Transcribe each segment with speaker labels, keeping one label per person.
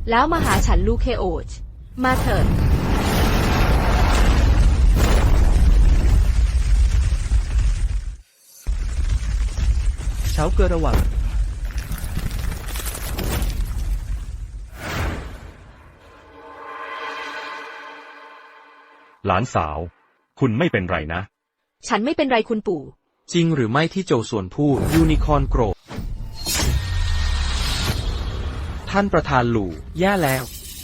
Speaker 1: แล้วมาหาฉันลูกเคโอชมาเถิด
Speaker 2: เฉาเกอระวัง
Speaker 3: หลานสาว คุณไม่เป็นไรนะ
Speaker 1: ฉันไม่เป็นไรคุณปู่
Speaker 2: จริงหรือไม่ที่โจส่วนพูดยูนิคอร์นโกรธท่านประธานหลู่แย่แล้ว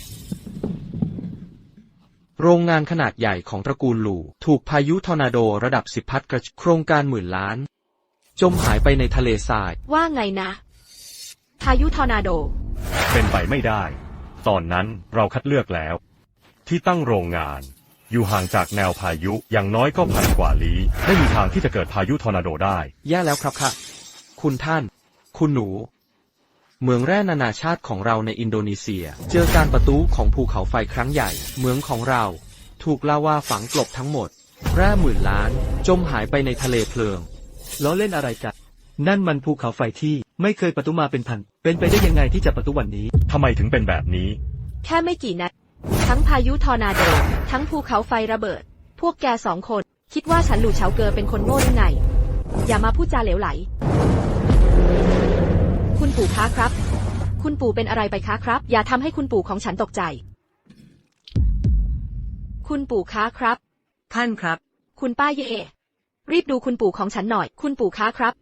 Speaker 2: โรงงานขนาดใหญ่ของตระกูลหลู่ถูกพายุทอร์นาโดระดับ10 พัดกระโครงการ10,000 ล้านจมหายไปในทะเลทราย
Speaker 1: ว่าไงนะพายุทอร์นาโด
Speaker 3: เป็นไปไม่ได้ ตอนนั้นเราคัดเลือกแล้ว ที่ตั้งโรงงานอยู่ห่างจากแนวพายุอย่างน้อยก็1,000 กว่าลี้ไม่มีทางที่จะเกิดพายุทอร์นาโดได้
Speaker 2: แย่แล้วครับค่ะคุณท่าน คุณหนูเมืองแร่นานาชาติของเราในอินโดนีเซียเจอการประทุของภูเขาไฟครั้งใหญ่เมืองของเราถูกลาวาฝังกลบทั้งหมดแร่10,000 ล้านจมหายไปในทะเลเพลิง
Speaker 4: ล้อเล่นอะไรกันนั่นมันภูเขาไฟที่ไม่เคยประทุมาเป็นพันเป็นไปได้ยังไงที่จะประทุวันนี้
Speaker 3: ทำไมถึงเป็นแบบนี้
Speaker 1: แค่ไม่กี่นัดทั้งพายุทอร์นาโดทั้งภูเขาไฟระเบิดพวกแก2 คนคิดว่าฉันหลู่เฉาเกอเป็นคนโง่หรือไงอย่ามาพูดจาเหลวไหลคุณปู่คะครับคุณปู่เป็นอะไรไปคะครับอย่าทำให้คุณปู่ของฉันตกใจคุณปู่คะครับ
Speaker 4: ท่านครับ
Speaker 1: คุณป้าเย่รีบดูคุณปู่ของฉันหน่อยคุณปู่คะครับ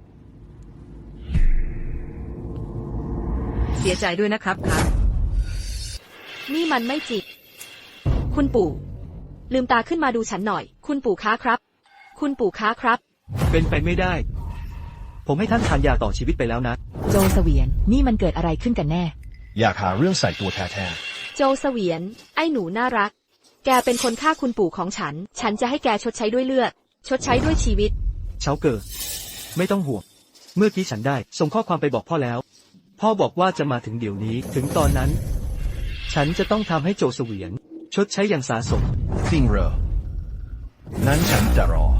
Speaker 4: เสียใจด้วยนะครับครับ
Speaker 1: นี่มันไม่จริงคุณปู่ลืมตาขึ้นมาดูฉันหน่อยคุณปู่คะครับคุณปู่คะครับ
Speaker 4: เป็นไปไม่ได้ผมให้ท่านทานยาต่อชีวิตไปแล้วนะ
Speaker 5: โจเสวียนนี่มันเกิดอะไรขึ้นกันแน่
Speaker 6: อยากหาเรื่องใส่ตัวแท้
Speaker 1: ๆโจเสวียนไอ้หนูน่ารักแกเป็นคนฆ่าคุณปู่ของฉันจะให้แกชดใช้ด้วยเลือดชดใช้ด้วยชีวิต
Speaker 4: เฉาเกอไม่ต้องห่วงเมื่อกี้ฉันได้ส่งข้อความไปบอกพ่อแล้วพ่อบอกว่าจะมาถึงเดี๋ยวนี้ถึงตอนนั้นฉันจะต้องทำให้โจเสวียนชดใช้อย่างสาสม
Speaker 6: จริงเหรอนั้นฉันจะรอ